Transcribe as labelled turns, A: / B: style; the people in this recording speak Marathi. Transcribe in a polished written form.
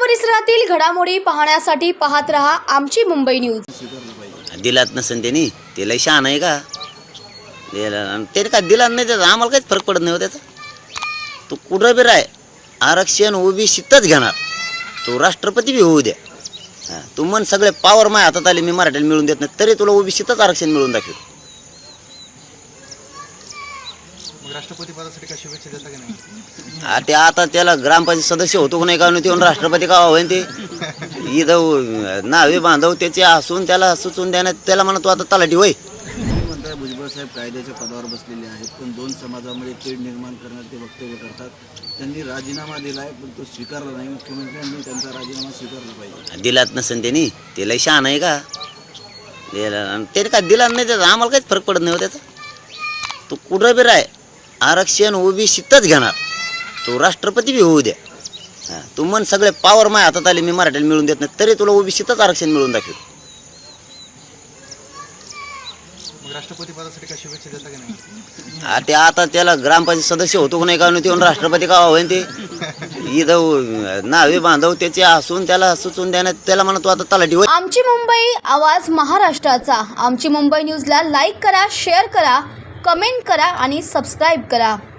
A: परिसरातील घडामोडी पाहण्यासाठी पाहत रहा आमची मुंबई न्यूज।
B: दिलात नसेल त्यांनी ते लय शहाणा आहे का ते काय दिला नाही त्याचा आम्हाला काहीच फरक पडत नाही हो त्याचा। तो कुठं बी राय आरक्षण ओबीसीतच घेणार तो राष्ट्रपती बी होऊ द्या। तू मन सगळे पावर माय हातात आले मी मराठीला मिळून देत नाही तरी तुला ओबीसीतच आरक्षण मिळून दाखव।
C: राष्ट्रपती पदासाठी काय शुभेच्छा देता की नाही?
B: ते आता त्याला ग्रामपंचायत सदस्य होतो का नाही का ते राष्ट्रपती का होईन ते इथं नावे बांधव त्याचे हसून त्याला सुचून देण्यात त्याला म्हणा तू आता तलाठी होय।
D: म्हणताय भुजबळ साहेब कायद्याच्या पदावर बसलेले आहेत पण दोन समाजामध्ये तेढ निर्माण करण्यात ते वक्तव्य करतात। त्यांनी राजीनामा दिलाय पण तो स्वीकारला नाही। मुख्यमंत्र्यांनी त्यांचा राजीनामा स्वीकारला पाहिजे।
B: दिलात नसेल त्यांनी ते लय शहाणा आहे का ते काय दिला नाही त्याचा आम्हाला काहीच फरक पडत नाही हो त्याचा। तू कुठं बी राय आरक्षण ओबीसीतच घेणार तो राष्ट्रपती बी होऊ द्या। तू मन सगळे पावर माय हातात आले मी मराठीला मिळून देत नाही तरी तुला ओबीसीतच आरक्षण मिळून दाखव।
C: राष्ट्रपती पदासाठी काय शुभेच्छा देता की नाही?
B: ते आता त्याला ग्रामपंचायत सदस्य होतो का नाही का ते राष्ट्रपती का होईन ते इथं नावे बांधव त्याचे हसून त्याला सुचून देण्यात त्याला म्हणा तू आता तलाठी होय।
A: आमची मुंबई आवाज महाराष्ट्राचा। आमची मुंबई न्यूजला लाईक करा, शेअर करा, कमेंट करा आणि सबस्क्राईब करा।